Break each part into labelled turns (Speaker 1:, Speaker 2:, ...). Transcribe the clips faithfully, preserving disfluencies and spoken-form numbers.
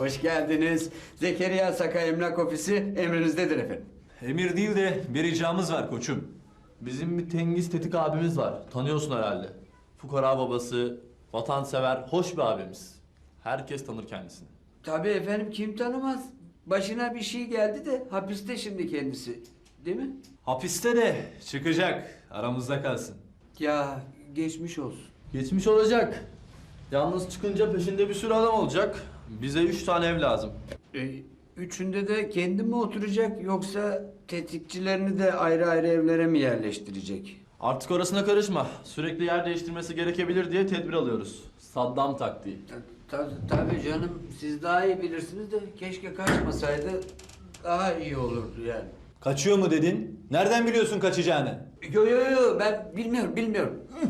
Speaker 1: Hoş geldiniz. Zekeriya Saka Emlak Ofisi emrinizdedir efendim.
Speaker 2: Emir değil de bir ricamız var koçum.
Speaker 3: Bizim bir Tengiz Tetik abimiz var. Tanıyorsun herhalde. Fukara babası, vatansever, hoş bir abimiz. Herkes tanır kendisini.
Speaker 1: Tabii efendim, kim tanımaz? Başına bir şey geldi de hapiste şimdi kendisi. Değil mi?
Speaker 2: Hapiste de çıkacak. Aramızda kalsın.
Speaker 1: Ya geçmiş olsun.
Speaker 3: Geçmiş olacak. Yalnız çıkınca peşinde bir sürü adam olacak. Bize üç tane ev lazım.
Speaker 1: Ee, üçünde de kendi mi oturacak yoksa tetikçilerini de ayrı ayrı evlere mi yerleştirecek?
Speaker 3: Artık orasına karışma. Sürekli yer değiştirmesi gerekebilir diye tedbir alıyoruz. Saddam taktiği.
Speaker 1: Ta- ta- tabii canım, siz daha iyi bilirsiniz de keşke kaçmasaydı daha iyi olurdu yani.
Speaker 2: Kaçıyor mu dedin? Nereden biliyorsun kaçacağını?
Speaker 1: Yo yo yo, ben bilmiyorum bilmiyorum. Hı.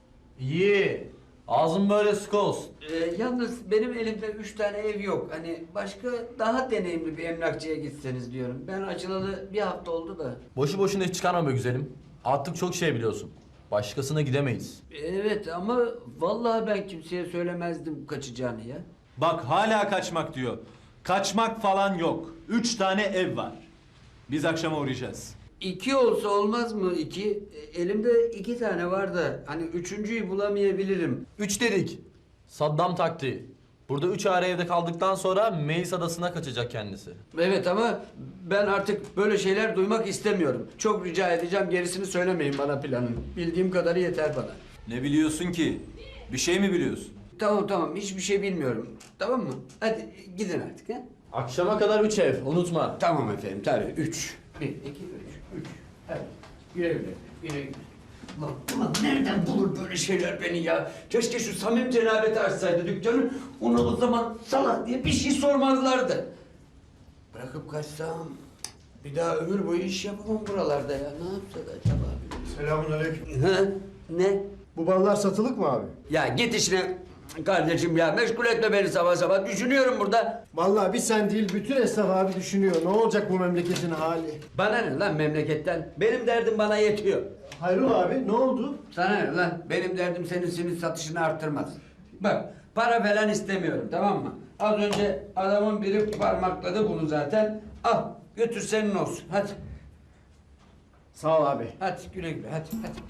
Speaker 3: İyi. Ağzın böyle sıkı olsun.
Speaker 1: Ee, yalnız benim elimde üç tane ev yok. Hani başka daha deneyimli bir emlakçıya gitseniz diyorum. Ben açılalı bir hafta oldu da.
Speaker 3: Boşu boşuna hiç çıkarma be güzelim. Artık çok şey biliyorsun. Başkasına gidemeyiz.
Speaker 1: Evet ama vallahi ben kimseye söylemezdim kaçacağını ya.
Speaker 2: Bak hala kaçmak diyor. Kaçmak falan yok. Üç tane ev var. Biz akşama uğrayacağız.
Speaker 1: İki olsa olmaz mı iki? E, Elimde iki tane var da hani üçüncüyü bulamayabilirim.
Speaker 3: Üç dedik. Saddam taktiği. Burada üç aile evde kaldıktan sonra Meis Adası'na kaçacak kendisi.
Speaker 1: Evet ama ben artık böyle şeyler duymak istemiyorum. Çok rica edeceğim, gerisini söylemeyin bana planın. Bildiğim kadarı yeter bana.
Speaker 2: Ne biliyorsun ki? Bir şey mi biliyorsun?
Speaker 1: Tamam tamam, hiçbir şey bilmiyorum. Tamam mı? Hadi gidin artık ha.
Speaker 3: Akşama kadar üç ev, unutma.
Speaker 1: Tamam efendim, tabii. Üç. Bir, iki, üç. Üç. Hadi. Güle güle. Güle güle. Ulan, ulan nereden bulur böyle şeyler beni ya? Keşke şu Samim cenabeti açsaydı dükkanı. Ona o zaman salak diye bir şey sormazlardı. Bırakıp kaçsam bir daha ömür boyu iş yapamam buralarda ya. Ne yapsak acaba?
Speaker 4: Selamünaleyküm.
Speaker 1: Ha? Ne?
Speaker 4: Bu ballar satılık mı abi?
Speaker 1: Ya git işine kardeşim ya. Meşgul etme beni sabah sabah. Düşünüyorum burada.
Speaker 4: Vallahi bir sen değil bütün esnaf abi düşünüyor. Ne olacak bu memleketin hali?
Speaker 1: Bana ne lan memleketten? Benim derdim bana yetiyor.
Speaker 4: Hayrola abi ne oldu?
Speaker 1: Sana ne lan? Benim derdim senin simit satışını arttırmaz. Bak, para falan istemiyorum, tamam mı? Az önce adamın biri parmakladı bunu zaten. Al, götür senin olsun. Hadi.
Speaker 4: Sağ ol abi.
Speaker 1: Hadi güle güle, hadi hadi.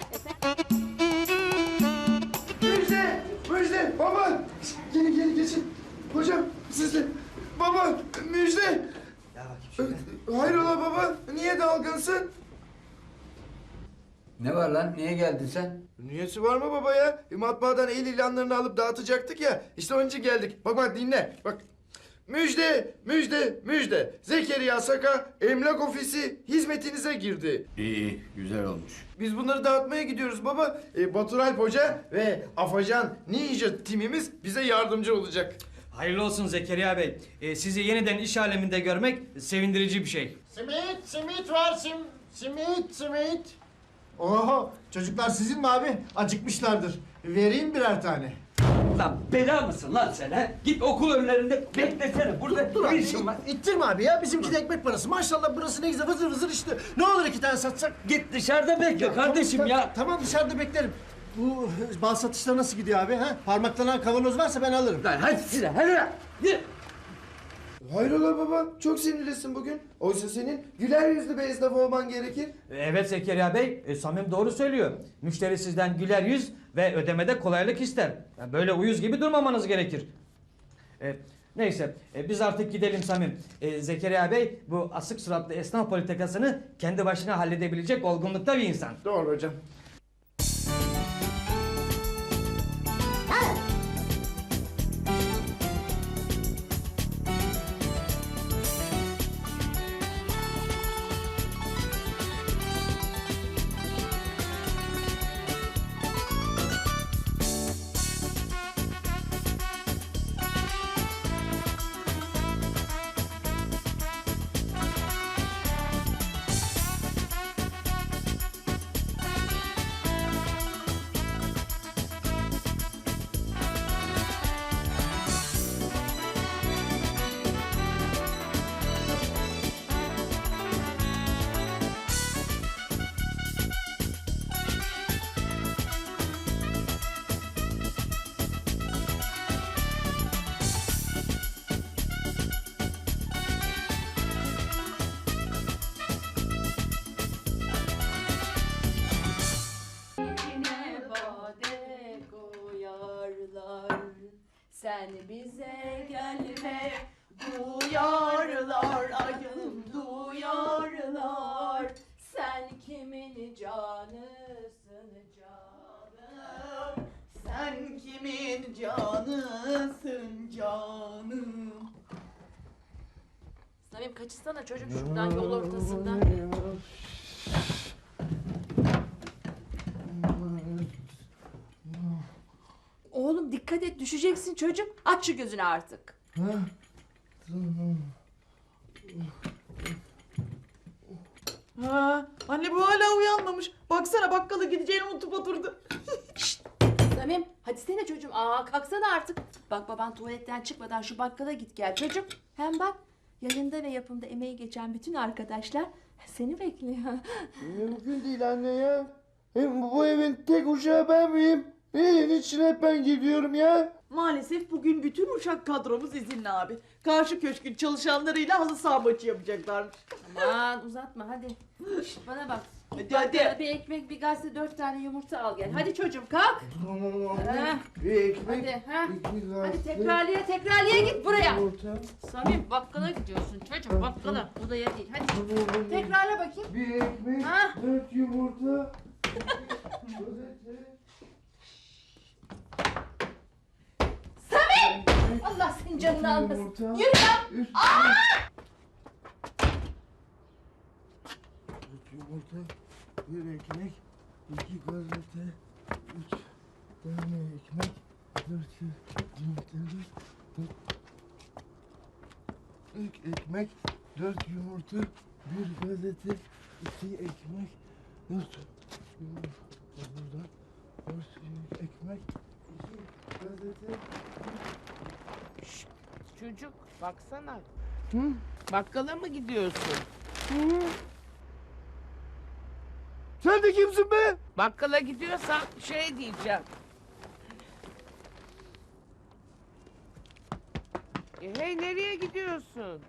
Speaker 5: Müjde! Müjde! Baba! Gelin gelin geçin. Hocam siz de. Baba! Müjde!
Speaker 1: Ya bakayım şöyle.
Speaker 5: Hayrola baba? Niye dalgınsın?
Speaker 1: Ne var lan? Niye geldin sen?
Speaker 5: Niyesi var mı baba ya? E, matbaadan el ilanlarını alıp dağıtacaktık ya. İşte onun için geldik. Bak bak dinle. Bak. Müjde! Müjde! Müjde! Zekeriya Saka Emlak Ofisi hizmetinize girdi.
Speaker 1: İyi iyi, güzel olmuş.
Speaker 5: Biz bunları dağıtmaya gidiyoruz baba. E, Batur Alp Hoca ve Afacan Ninja timimiz bize yardımcı olacak.
Speaker 6: Hayırlı olsun Zekeriya Bey. Ee, sizi yeniden iş aleminde görmek sevindirici bir şey.
Speaker 7: Simit, simit var sim, simit, simit.
Speaker 4: Oho çocuklar sizin mi abi? Acıkmışlardır. Vereyim birer tane.
Speaker 1: Lan bela mısın lan sen ha? Git okul önlerinde beklesene. Burada
Speaker 4: Dur
Speaker 1: ne
Speaker 4: abi,
Speaker 1: işin var?
Speaker 4: ittirme abi ya. Bizimki de ekmek parası. Maşallah burası ne güzel vızır vızır işte. Ne olur iki tane satsak?
Speaker 1: Git dışarıda bekle kardeşim
Speaker 4: Tamam,
Speaker 1: ya.
Speaker 4: Tamam dışarıda beklerim. Bu bal satışları nasıl gidiyor abi? Ha? Parmaklanan kavanoz varsa ben alırım.
Speaker 1: Lan hadi size, hadi lan. Git.
Speaker 5: Hayrola baba? Çok sinirlisin bugün. Oysa senin güler yüzlü bir esnaf olman gerekir.
Speaker 6: Evet Zekeriya Bey, e, Samim doğru söylüyor. Müşteri sizden güler yüz ve ödemede kolaylık ister. Yani böyle uyuz gibi durmamanız gerekir. E, neyse, e, biz artık gidelim Samim. E, Zekeriya Bey bu asık suratlı esnaf politikasını kendi başına halledebilecek olgunlukta bir insan.
Speaker 5: Doğru hocam.
Speaker 8: sen bize gelme. Duyarlar acım duyarlar. Sen kimin canısın canım.
Speaker 9: Sen kimin canısın canım?
Speaker 8: Samim kaçırsana çocuk şuradan yol ortasında. Oğlum dikkat et düşeceksin çocuğum. Aç şu gözünü artık.
Speaker 9: Ha, anne bu hala uyanmamış. Baksana bakkala gideceğini unutup oturdu.
Speaker 8: Samim hadi sene çocuğum. Aa kalksana artık. Bak baban tuvaletten çıkmadan şu bakkala git gel çocuğum. Hem bak yayında ve yapımda emeği geçen bütün arkadaşlar seni bekliyor.
Speaker 5: Mümkün değil anne ya. Hem bu evin tek uşağı ben miyim? Evin içine hep ben gidiyorum ya.
Speaker 9: Maalesef bugün bütün uşak kadromuz izinli abi. Karşı köşkün çalışanlarıyla halı saha maçı yapacaklarmış.
Speaker 8: Aman uzatma hadi. Şişt, bana bak.
Speaker 9: Hadi
Speaker 8: Bakkala
Speaker 9: hadi.
Speaker 8: bir ekmek bir gazete dört tane yumurta al gel. Hadi çocuğum kalk.
Speaker 5: Tamam
Speaker 8: Ha.
Speaker 5: Bir ekmek,
Speaker 8: Hadi ha.
Speaker 5: iki gazete,
Speaker 8: Hadi tekrarlıya tekrarlıya git buraya.
Speaker 5: yumurta.
Speaker 8: Samim bakkala gidiyorsun çocuğum bakkala. Odaya değil. Hadi
Speaker 5: Tamam,
Speaker 8: tekrarla bakayım.
Speaker 5: Bir ekmek,
Speaker 8: Ha?
Speaker 5: dört yumurta. Gazete.
Speaker 8: Samim! Allah senin canını almasın.
Speaker 5: Yumurta.
Speaker 8: Yürü ya.
Speaker 5: Üç Dört yumurta, bir ekmek, iki gazete, üç tane ekmek, dört yumurta, dört, dört ekmek, dört yumurta, bir gazete, iki ekmek, dört yumurta, buradan, dört ekmek, iki gazete.
Speaker 10: Çocuk baksana.
Speaker 5: Hı?
Speaker 10: Bakkala mı gidiyorsun?
Speaker 5: Sen de kimsin be?
Speaker 10: Bakkala gidiyorsan şey diyeceğim. E, hey nereye gidiyorsun?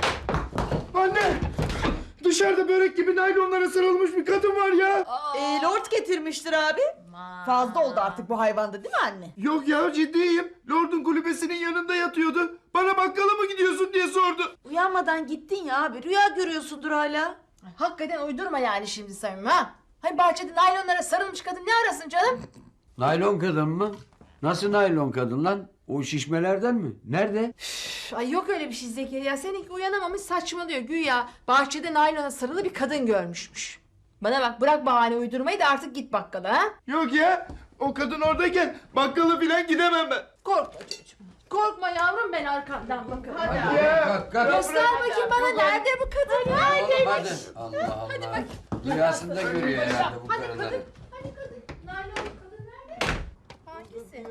Speaker 5: Anne! Dışarıda börek gibi naylonlara sarılmış bir kadın var ya.
Speaker 9: Ee, lord getirmiştir abi. Fazla oldu artık bu hayvanda değil mi anne?
Speaker 5: Yok ya ciddiyim. Lord'un kulübesinin yanında yatıyordu. Bana bakkala mı gidiyorsun diye sordu.
Speaker 9: Uyanmadan gittin ya abi. Rüya görüyorsundur hala.
Speaker 8: Hakikaten uydurma yani şimdi Samim ha. Hani bahçede naylonlara sarılmış kadın ne arasın canım?
Speaker 1: Naylon kadın mı? Nasıl naylon kadın lan? O şişmelerden mi? Nerede?
Speaker 8: Üf, ay yok öyle bir şey Zekeriya. Seninki uyanamamış saçmalıyor. Güya bahçede naylona sarılı bir kadın görmüşmüş. Bana bak bırak bahane uydurmayı da artık git bakkala ha.
Speaker 5: Yok ya. O kadın oradayken bakkala filan gidemem ben.
Speaker 8: Korkma çocuğum. Korkma yavrum ben arkandan bakarım. Hadi.
Speaker 5: Ya.
Speaker 1: Kalk kalk.
Speaker 8: Göster bakayım bana nerede bu kadın?
Speaker 1: Oğlum hadi. Allah Allah. Rüyasında görüyor herhalde bu
Speaker 8: Hadi
Speaker 1: karıları.
Speaker 8: kadın. Hadi kadın. Naylon kadın nerede? Hangisi?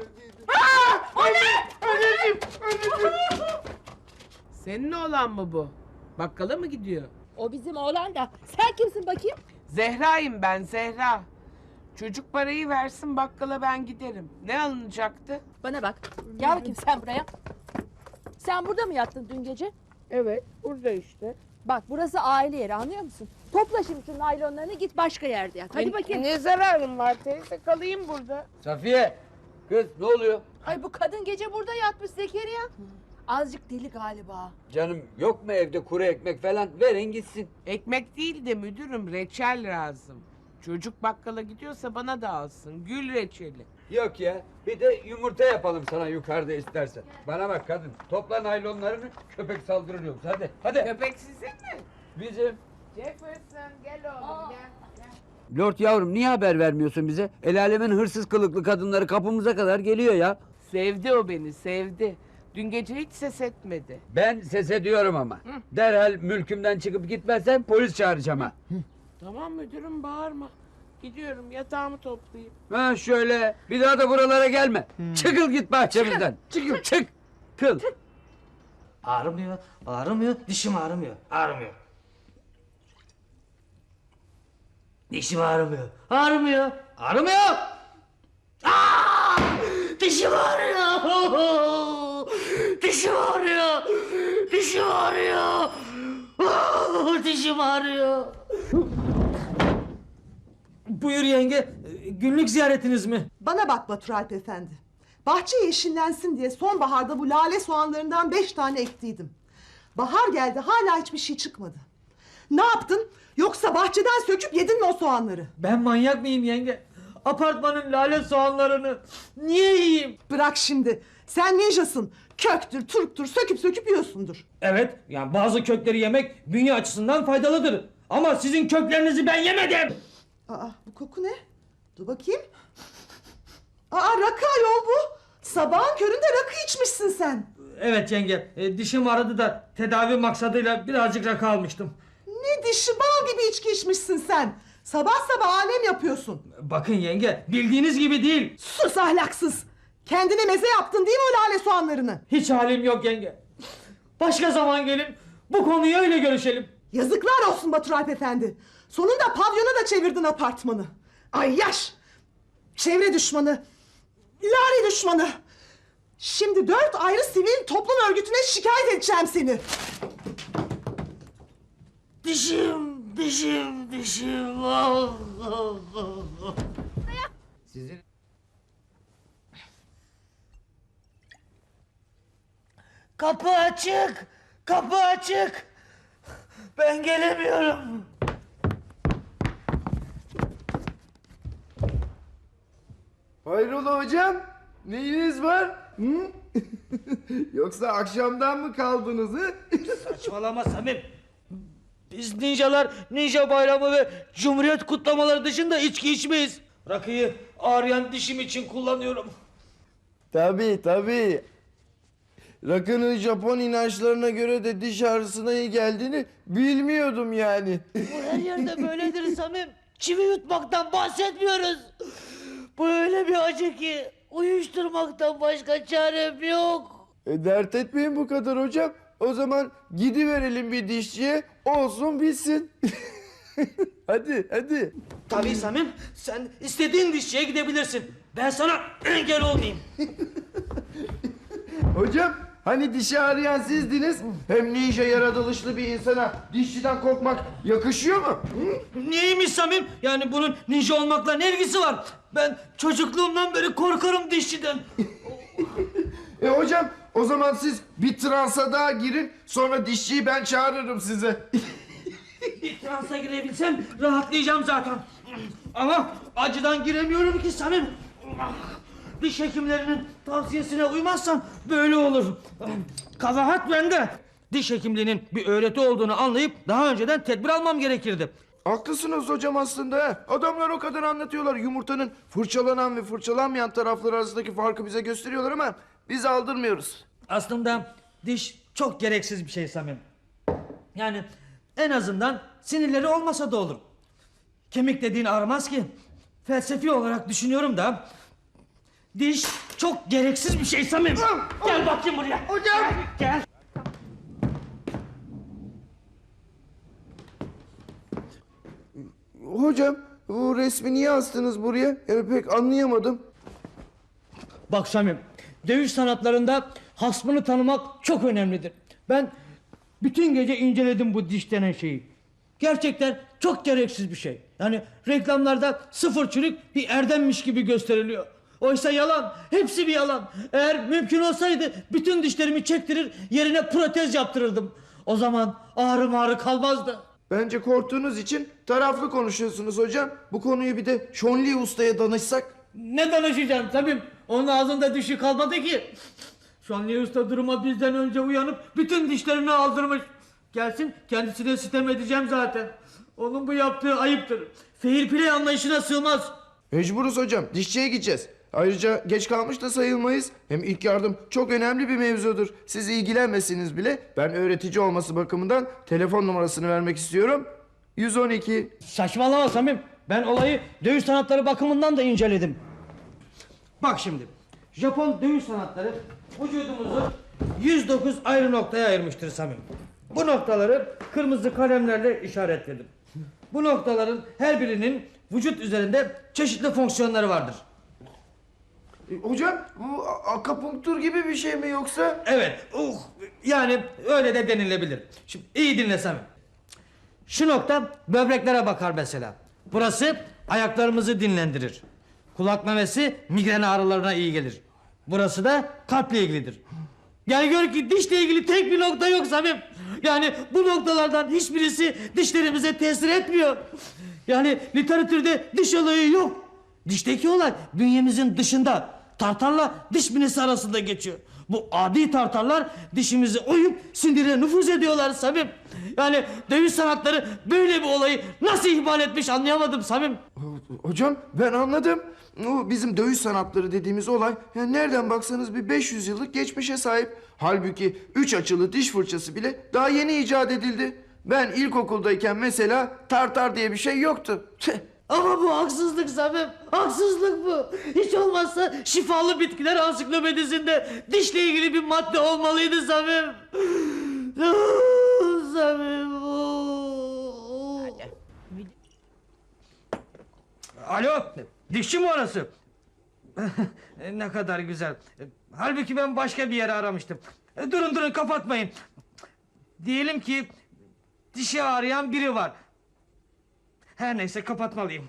Speaker 5: Anneciğim, anneciğim.
Speaker 10: Senin oğlan mı bu? Bakkala mı gidiyor?
Speaker 8: O bizim oğlan da. Sen kimsin bakayım?
Speaker 10: Zehra'yım ben Zehra. Çocuk parayı versin bakkala ben giderim. Ne alınacaktı?
Speaker 8: Bana bak. Gel bakayım sen buraya. Sen burada mı yattın dün gece?
Speaker 10: Evet burada işte.
Speaker 8: Bak burası aile yeri anlıyor musun? Topla şimdi şu naylonlarını git başka yerde yat. Hadi
Speaker 10: Ne-
Speaker 8: bakayım.
Speaker 10: Ne zararım var teyze kalayım burada.
Speaker 1: Safiye. Kız ne oluyor?
Speaker 8: Ay bu kadın gece burada yatmış Zekeriya. Azıcık deli galiba.
Speaker 1: Canım yok mu evde kuru ekmek falan? Verin gitsin.
Speaker 10: Ekmek değil de müdürüm reçel lazım. Çocuk bakkala gidiyorsa bana da alsın. Gül reçeli.
Speaker 1: Yok ya. Bir de yumurta yapalım sana yukarıda istersen. Bana bak kadın. Topla naylonlarını köpek saldırır yoksa. Hadi. Hadi.
Speaker 10: Köpek sizin mi?
Speaker 1: Bizim.
Speaker 10: Jefferson gel oğlum gel.
Speaker 1: Lord yavrum niye haber vermiyorsun bize? El alemin hırsız kılıklı kadınları kapımıza kadar geliyor ya.
Speaker 10: Sevdi o beni sevdi. Dün gece hiç ses etmedi.
Speaker 1: Ben ses ediyorum ama. Derhal mülkümden çıkıp gitmezsen polis çağıracağım ha.
Speaker 10: Tamam müdürüm bağırma. Gidiyorum yatağımı toplayayım.
Speaker 1: Ha şöyle. Bir daha da buralara gelme. Çıkıl git bahçemizden. Çıkıl. Çık. Kıl.
Speaker 6: Ağrımıyor, ağrımıyor, dişim ağrımıyor, ağrımıyor. Dişim ağrımıyor, ağrımıyor, ağrımıyor. Aa! Dişim ağrıyor. Dişim ağrıyor. Dişim ağrıyor. Aa! Dişim ağrıyor. Buyur yenge, günlük ziyaretiniz mi?
Speaker 9: Bana bak Batur Alp Efendi.
Speaker 11: Bahçe yeşillensin diye sonbaharda bu lale soğanlarından beş tane ektiydim. Bahar geldi, hala hiçbir şey çıkmadı. Ne yaptın? Yoksa bahçeden söküp yedin mi o soğanları?
Speaker 6: Ben manyak mıyım yenge? Apartmanın lale soğanlarını niye yiyeyim?
Speaker 11: Bırak şimdi. Sen ninjasın. Köktür, turptur, söküp söküp yiyorsundur.
Speaker 6: Evet, yani bazı kökleri yemek bünye açısından faydalıdır. Ama sizin köklerinizi ben yemedim.
Speaker 11: Aa, bu koku ne? Dur bakayım. Aa, rakı ayol bu. Sabahın köründe rakı içmişsin sen.
Speaker 6: Evet yenge, e, dişim ağrıdı da tedavi maksadıyla birazcık rakı almıştım.
Speaker 11: Ne dişi, bal gibi içki içmişsin sen. Sabah sabah alem yapıyorsun.
Speaker 6: Bakın yenge, bildiğiniz gibi değil.
Speaker 11: Sus ahlaksız. Kendine meze yaptın değil mi o lale soğanlarını?
Speaker 6: Hiç halim yok yenge. Başka zaman gelin, bu konuyu öyle görüşelim.
Speaker 11: Yazıklar olsun Batur Alp Efendi. Sonunda pavyona da çevirdin apartmanı. Ay yaş! Çevre düşmanı, lale düşmanı. Şimdi dört ayrı sivil toplum örgütüne şikayet edeceğim seni.
Speaker 6: Dişim, dişim, dişim. Ah, ah, ah.
Speaker 10: Sizin
Speaker 6: Kapı açık, kapı açık. Ben gelemiyorum.
Speaker 5: Hayrola hocam? Neyiniz var? Hı? Yoksa akşamdan mı kaldınız hı?
Speaker 6: Saçmalama Samim. Biz ninjalar ninja bayramı ve cumhuriyet kutlamaları dışında içki içmeyiz. Rakıyı ağrıyan dişim için kullanıyorum.
Speaker 5: Tabii tabii. Rakının Japon inançlarına göre de diş ağrısına iyi geldiğini bilmiyordum yani.
Speaker 6: Bu her yerde böyledir Samim. Çivi yutmaktan bahsetmiyoruz. Bu öyle bir acı ki uyuşturmaktan başka çarem yok.
Speaker 5: E, dert etmeyin bu kadar hocam. O zaman gidiverelim bir dişçiye, olsun bitsin. Hadi hadi.
Speaker 6: Tabii Samim, sen istediğin dişçiye gidebilirsin. Ben sana engel olmayayım.
Speaker 5: Hocam hani dişi ağrıyan sizdiniz. Hem ninja yaratılışlı bir insana dişçiden korkmak yakışıyor mu?
Speaker 6: Niyeymiş Samim? Yani bunun ninja olmakla ne ilgisi var? Ben çocukluğumdan beri korkarım dişçiden.
Speaker 5: E hocam o zaman siz bir transa daha girin, sonra dişçiyi ben çağırırım size.
Speaker 6: Bir transa girebilsem rahatlayacağım zaten. Ama acıdan giremiyorum ki Samim. Diş hekimlerinin tavsiyesine uymazsam böyle olur. Kabahat bende. Diş hekimliğinin bir öğreti olduğunu anlayıp daha önceden tedbir almam gerekirdi.
Speaker 5: Haklısınız hocam aslında. He. Adamlar o kadar anlatıyorlar, yumurtanın fırçalanan ve fırçalanmayan tarafları arasındaki farkı bize gösteriyorlar ama biz aldırmıyoruz.
Speaker 6: Aslında diş çok gereksiz bir şey Samim. Yani en azından sinirleri olmasa da olur. Kemik dediğin ağrımaz ki. Felsefi olarak düşünüyorum da diş çok gereksiz bir şey Samim. Gel bakayım buraya.
Speaker 5: Hocam.
Speaker 6: Gel. gel.
Speaker 5: Hocam bu resmi niye astınız buraya? Yani pek anlayamadım.
Speaker 6: Bak Samim, dövüş sanatlarında hasmını tanımak çok önemlidir. Ben bütün gece inceledim bu diş denen şeyi. Gerçekten çok gereksiz bir şey. Yani reklamlarda sıfır çürük bir erdemmiş gibi gösteriliyor. Oysa yalan, hepsi bir yalan. Eğer mümkün olsaydı bütün dişlerimi çektirir, yerine protez yaptırırdım. O zaman ağrı ağrı kalmazdı.
Speaker 5: Bence korktuğunuz için taraflı konuşuyorsunuz hocam. Bu konuyu bir de Şonli Usta'ya danışsak.
Speaker 6: Ne danışacağım Samim? Onun ağzında dişi kalmadı ki. Şanlı Usta duruma bizden önce uyanıp bütün dişlerini aldırmış. Gelsin, kendisine sitem edeceğim zaten. Onun bu yaptığı ayıptır. Fair play anlayışına sığmaz.
Speaker 5: Mecburuz hocam, dişçiye gideceğiz. Ayrıca geç kalmış da sayılmayız. Hem ilk yardım çok önemli bir mevzudur. Siz ilgilenmesiniz bile. Ben öğretici olması bakımından telefon numarasını vermek istiyorum. yüz on iki.
Speaker 6: Saçmalama Samim. Ben olayı dövüş sanatları bakımından da inceledim. Bak şimdi. Japon dövüş sanatları vücudumuzu yüz dokuz ayrı noktaya ayırmıştır Samim. Bu noktaları kırmızı kalemlerle işaretledim. Bu noktaların her birinin vücut üzerinde çeşitli fonksiyonları vardır.
Speaker 5: E, hocam bu a- akupunktur gibi bir şey mi yoksa?
Speaker 6: Evet. Uh, yani öyle de denilebilir. Şimdi iyi dinle Samim. Şu nokta böbreklere bakar mesela. Burası ayaklarımızı dinlendirir. Kulak memesi migren ağrılarına iyi gelir. Burası da kalple ilgilidir. Yani gör ki dişle ilgili tek bir nokta yok Samim. Yani bu noktalardan hiçbirisi dişlerimize tesir etmiyor. Yani literatürde diş olayı yok. Dişteki olay bünyemizin dışında. Tartarla diş minesi arasında geçiyor. Bu adi tartarlar dişimizi oyup sindire nüfuz ediyorlar Samim. Yani dövüş sanatları böyle bir olayı nasıl ihmal etmiş anlayamadım Samim.
Speaker 5: Hocam ben anladım. O bizim dövüş sanatları dediğimiz olay yani nereden baksanız bir beş yüz yıllık geçmişe sahip. Halbuki üç açılı diş fırçası bile daha yeni icat edildi. Ben ilkokuldayken mesela tartar diye bir şey yoktu.
Speaker 6: Ama bu haksızlık Samim. Haksızlık bu. Hiç olmazsa şifalı bitkiler ansiklopedisinde dişle ilgili bir madde olmalıydı Samim. Samim. Alo, dişçi mi orası? Ne kadar güzel. Halbuki ben başka bir yere aramıştım. Durun durun kapatmayın. Diyelim ki dişi ağrıyan biri var. Her neyse kapatmalıyım.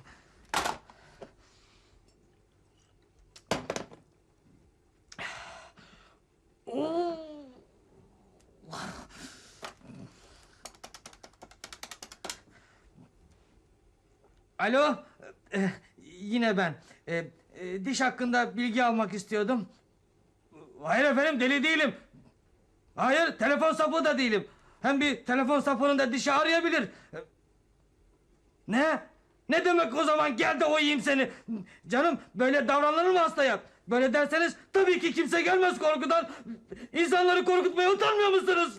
Speaker 6: Alo, ee, yine ben. Ee, e, diş hakkında bilgi almak istiyordum. Hayır efendim, deli değilim. Hayır, telefon sapığı da değilim. Hem bir telefon sapığının da dişi ağrıyabilir. Ne? Ne demek o zaman gel de oyayım seni. Canım böyle davranılır mı hastaya? Böyle derseniz tabii ki kimse gelmez korkudan. İnsanları korkutmaya utanmıyor musunuz?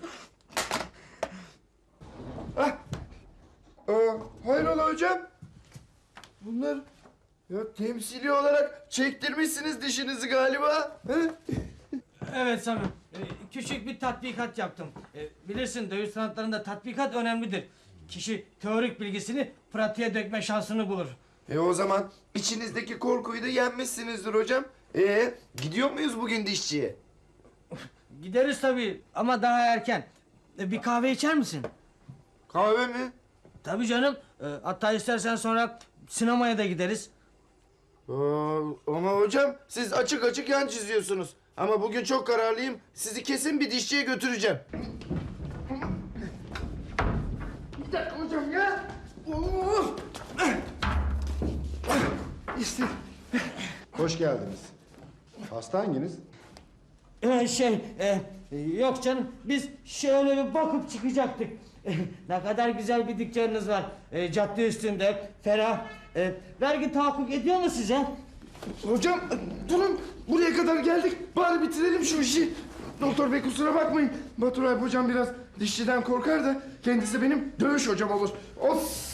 Speaker 5: Ah. Aa, hayrola hocam? Bunlar ya temsili olarak çektirmişsiniz dişinizi galiba. He?
Speaker 6: Evet Samim. Ee, küçük bir tatbikat yaptım. Ee, bilirsin dövüş sanatlarında tatbikat önemlidir. Kişi teorik bilgisini pratiğe dökme şansını bulur.
Speaker 5: E o zaman içinizdeki korkuyu da yenmişsinizdir hocam. E gidiyor muyuz bugün dişçiye?
Speaker 6: Gideriz tabii ama daha erken. Ee, bir kahve içer misin?
Speaker 5: Kahve mi?
Speaker 6: Tabii canım. Ee, hatta istersen sonra sinemaya da gideriz.
Speaker 5: Aa, ama hocam siz açık açık yan çiziyorsunuz. Ama bugün çok kararlıyım. Sizi kesin bir dişçiye götüreceğim. Bir dakika hocam ya. Oo. İşte.
Speaker 12: Hoş geldiniz. Hasta hanginiz?
Speaker 6: Ee, şey, e, yok canım. Biz şöyle bir bakıp çıkacaktık. Ne kadar güzel bir dükkanınız var. E, cadde üstünde, ferah. E, vergi tahakkuk ediyor mu size?
Speaker 5: Hocam durun. Buraya kadar geldik. Bari bitirelim şu işi. Doktor bey kusura bakmayın. Batur Alp hocam biraz dişçiden korkar da kendisi benim dövüş hocam olur. Of.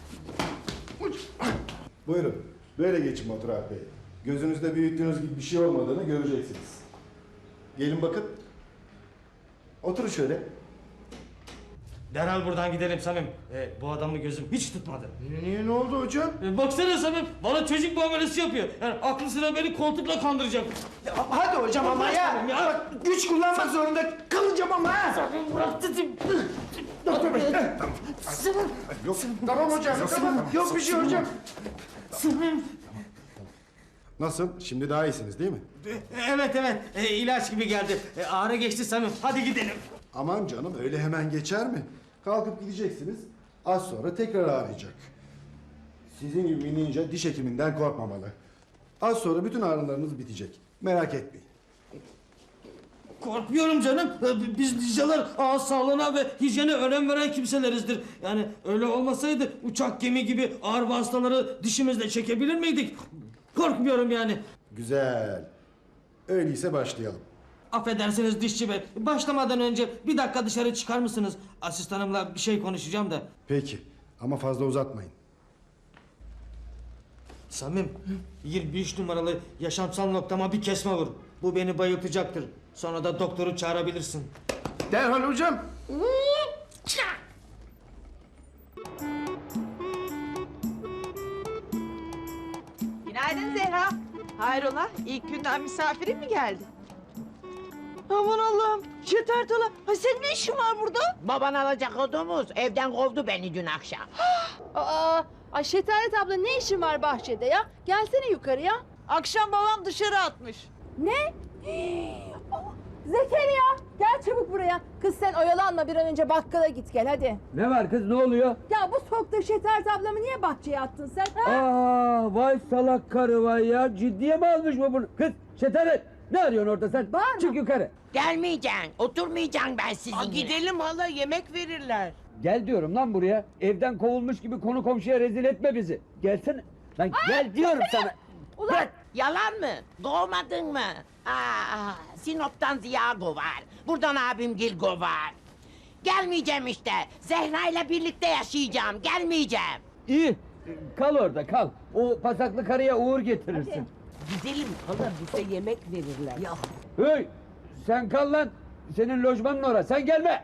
Speaker 12: Buyurun. Böyle geçin Batur Alp Bey. Gözünüzde büyüttüğünüz gibi bir şey olmadığını göreceksiniz. Gelin bakın. Oturun şöyle.
Speaker 6: Derhal buradan gidelim Samim. E, bu adamı gözüm hiç tutmadı.
Speaker 5: Niye, niye ne oldu hocam?
Speaker 6: E, baksana Samim, bana çocuk muamelesi yapıyor. Yani aklı sıra beni koltukla kandıracak.
Speaker 5: Ya, hadi hocam ama ya.
Speaker 6: ya.
Speaker 5: Bak, güç kullanmak zorunda kalacağım ama ha.
Speaker 6: Samim bırak dedim.
Speaker 5: Doktor bey. Tamam.
Speaker 12: Yok.
Speaker 5: Tamam hocam tamam. Yok bir şey hocam.
Speaker 6: Samim.
Speaker 12: Nasıl? Şimdi daha iyisiniz değil mi?
Speaker 6: E, evet evet, e, ilaç gibi geldi. E, ağrı geçti Samim, hadi gidelim.
Speaker 12: Aman canım öyle hemen geçer mi? Kalkıp gideceksiniz. Az sonra tekrar ağrıyacak. Sizin gibi bir ninja diş hekiminden korkmamalı. Az sonra bütün ağrılarınız bitecek. Merak etmeyin.
Speaker 6: Korkmuyorum canım. E, Biz ninjalar ağız sağlığına ve hijyene önem veren kimselerizdir. Yani öyle olmasaydı uçak gemi gibi ağır hastaları dişimizle çekebilir miydik? Korkmuyorum yani.
Speaker 12: Güzel. Öyleyse başlayalım.
Speaker 6: Affedersiniz dişçi bey. Başlamadan önce bir dakika dışarı çıkar mısınız? Asistanımla bir şey konuşacağım da.
Speaker 12: Peki. Ama fazla uzatmayın.
Speaker 6: Samim, yirmi üç numaralı yaşamsal noktama bir kesme vur. Bu beni bayıltacaktır. Sonra da doktoru çağırabilirsin.
Speaker 5: Derhal hocam.
Speaker 9: Günaydın Zehra. Hayrola? İlk günden misafirin mi geldi? Aman Allah'ım. Şeter Tala. Ha senin ne işin var burada?
Speaker 10: Baban alacak odumuz evden kovdu beni dün akşam.
Speaker 8: Aa, ay Şetaret abla ne işin var bahçede ya? Gelsene yukarıya.
Speaker 9: Akşam babam dışarı atmış.
Speaker 8: Ne? Zekeriya gel çabuk buraya. Kız sen oyalanma bir an önce bakkala git gel hadi.
Speaker 1: Ne var kız ne oluyor?
Speaker 8: Ya bu soğukta şetert ablamı niye bahçeye attın sen? Ha?
Speaker 1: Aa vay salak karı vay ya. Ciddiye mi almış bu bunu? Kız Şetaret ne arıyorsun orada sen?
Speaker 8: Bağırma.
Speaker 1: Çık yukarı.
Speaker 10: Gelmeyeceksin. Oturmayacaksın ben sizinle. Gidelim hala yemek verirler.
Speaker 1: Gel diyorum lan buraya. Evden kovulmuş gibi konu komşuya rezil etme bizi. Gelsene. Lan gel diyorum sana.
Speaker 8: Ulan
Speaker 10: Bırak. Yalan mı? Doğmadın mı? Aa, Sinop'tan Ziya govar. Buradan abim Gil govar. Gelmeyeceğim işte. Zehra ile birlikte yaşayacağım. Gelmeyeceğim.
Speaker 1: İyi. Kal orada kal. O pasaklı karıya uğur getirirsin.
Speaker 10: Gidelim hala bize yemek verirler. Ya.
Speaker 1: Hey sen kal lan. Senin lojmanın orası. Sen gelme.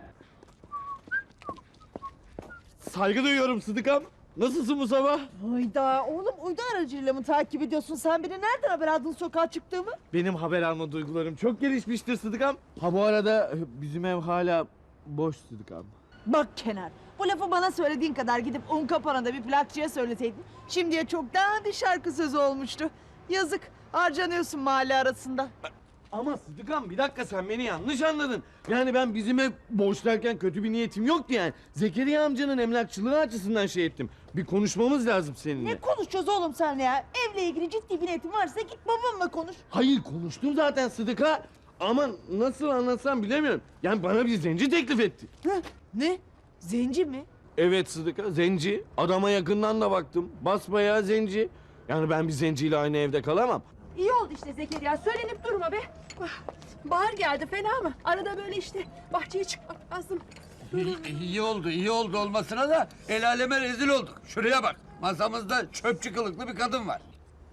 Speaker 3: Saygı duyuyorum Sıdıkam. Nasılsın bu sabah?
Speaker 9: Hayda oğlum uydu aracıyla mı takip ediyorsun? Sen beni nereden haber aldın sokağa çıktığımı?
Speaker 3: Benim haber alma duygularım çok gelişmiştir Sıdıkam. Ha bu arada bizim ev hala boş Sıdıkam.
Speaker 9: Bak Kenar, bu lafı bana söylediğin kadar gidip Unkapana'da bir plakçıya söyleseydin... ...şimdiye çoktan bir şarkı sözü olmuştu. Yazık, harcanıyorsun mahalle arasında.
Speaker 3: Ama Sıdıkam bir dakika sen beni yanlış anladın. Yani ben bizim ev boş derken kötü bir niyetim yoktu yani. Zekeriya amcanın emlakçılığı açısından şey ettim. Bir konuşmamız lazım seninle.
Speaker 9: Ne konuşacağız oğlum sen ya? Evle ilgili ciddi bir niyetin varsa git babamla konuş.
Speaker 3: Hayır konuştum zaten Sıdıka. Ama nasıl anlatsam bilemiyorum. Yani bana bir zenci teklif etti.
Speaker 9: Heh, ne? Zenci mi?
Speaker 3: Evet Sıdıka zenci. Adama yakından da baktım. Basbayağı zenci. Yani ben bir zenciyle aynı evde kalamam.
Speaker 8: iyi oldu işte Zekeriya söylenip durma be. Bahar geldi fena mı? Arada böyle işte bahçeye çıkmak lazım.
Speaker 1: İyi oldu, iyi oldu olmasına da el aleme rezil olduk. Şuraya bak, masamızda çöpçü kılıklı bir kadın var.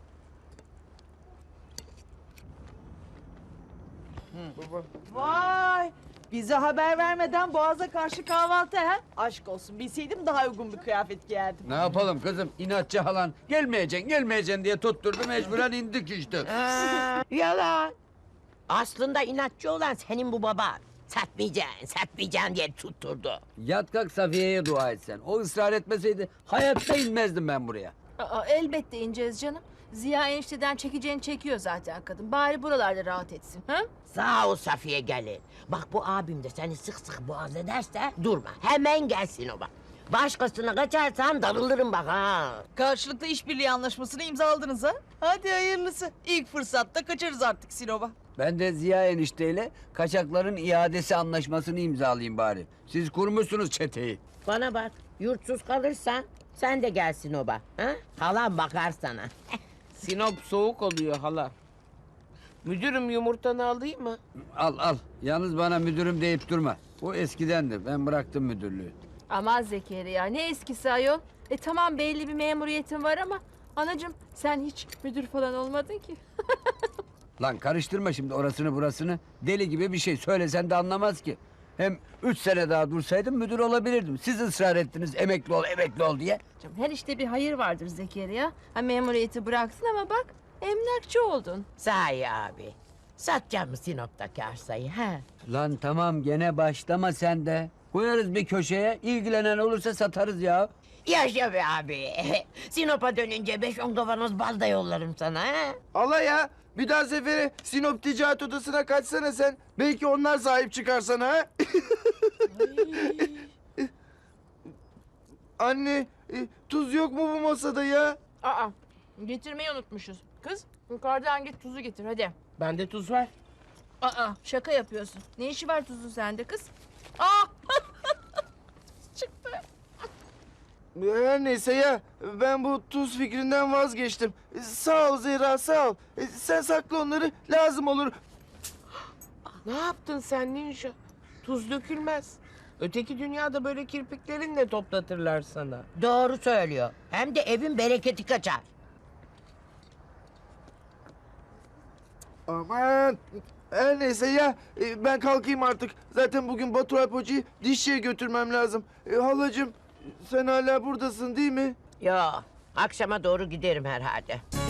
Speaker 9: Vay! Bize haber vermeden Boğaz'a karşı kahvaltı ha? Aşk olsun bilseydim daha uygun bir kıyafet giyerdim.
Speaker 1: Ne yapalım kızım, inatçı halan. Gelmeyeceksin, gelmeyeceksin diye tutturdu, mecburen indik işte.
Speaker 10: Yalan. Aslında inatçı olan senin bu baban. Satmayacaksın, satmayacaksın diye tutturdu.
Speaker 1: Yat kalk Safiye'ye dua et sen. O ısrar etmeseydi hayatta inmezdim ben buraya.
Speaker 8: Aa, elbette ineceğiz canım. Ziya enişteden çekeceğini çekiyor zaten kadın. Bari buralarda rahat etsin. Ha?
Speaker 10: Sağ ol Safiye gelin. Bak bu abim de seni sık sık boğaz ederse durma. Hemen gelsin o bak. Başkasına kaçarsan darılırım bak ha.
Speaker 9: Karşılıklı işbirliği anlaşmasını imzaladınız ha? Hadi hayırlısı. İlk fırsatta kaçarız artık Sinop'a.
Speaker 1: Ben de Ziya enişteyle kaçakların iadesi anlaşmasını imzalayayım bari. Siz kurmuşsunuz çeteyi.
Speaker 10: Bana bak yurtsuz kalırsan sen de gelsin o bak. Ha? Halam bakar sana. Sinop soğuk oluyor hala. Müdürüm yumurtanı alayım mı?
Speaker 1: Al al. Yalnız bana müdürüm deyip durma. Bu eskidendir. Ben bıraktım müdürlüğü.
Speaker 8: Aman Zekeriya ne eskisi ayol. E tamam belli bir memuriyetin var ama... Anacığım sen hiç müdür falan olmadın ki.
Speaker 1: Lan karıştırma şimdi orasını burasını. Deli gibi bir şey söylesen de anlamaz ki. Hem üç sene daha dursaydım müdür olabilirdim. Siz ısrar ettiniz emekli ol emekli ol diye.
Speaker 8: Canım, her işte bir hayır vardır Zekeriya. Ha memuriyeti bıraksın ama bak emlakçı oldun.
Speaker 10: Sahi abi. Satacağım mı Sinop'taki arsayı ha?
Speaker 1: Lan tamam gene başlama sen de. Koyarız bir köşeye ilgilenen olursa satarız ya.
Speaker 10: Yaşa be abi. Sinop'a dönünce beş on kavanoz bal da yollarım sana ha.
Speaker 5: Allah ya. Bir daha sefere Sinop Ticaret Odası'na kaçsana sen. Belki onlar sahip çıkar sana ha. Anne, e, tuz yok mu bu masada ya?
Speaker 8: Aa getirmeyi unutmuşuz. Kız yukarıdan git tuzu getir hadi.
Speaker 10: Bende tuz var.
Speaker 8: Aa şaka yapıyorsun. Ne işi var tuzun sende kız? Aa çıktı.
Speaker 5: Her neyse ya, ben bu tuz fikrinden vazgeçtim. E, Sağ ol Zehra, sağ ol. E, Sen sakla onları, lazım olur.
Speaker 10: Ne yaptın sen ninja? Tuz dökülmez. Öteki dünyada böyle kirpiklerinle toplatırlar sana. Doğru söylüyor. Hem de evin bereketi kaçar.
Speaker 5: Aman, her neyse ya, e, ben kalkayım artık. Zaten bugün Batur Alp Hoca'yı dişçiye götürmem lazım. E, halacığım, sen hala buradasın değil mi?
Speaker 10: Ya akşama doğru giderim herhalde.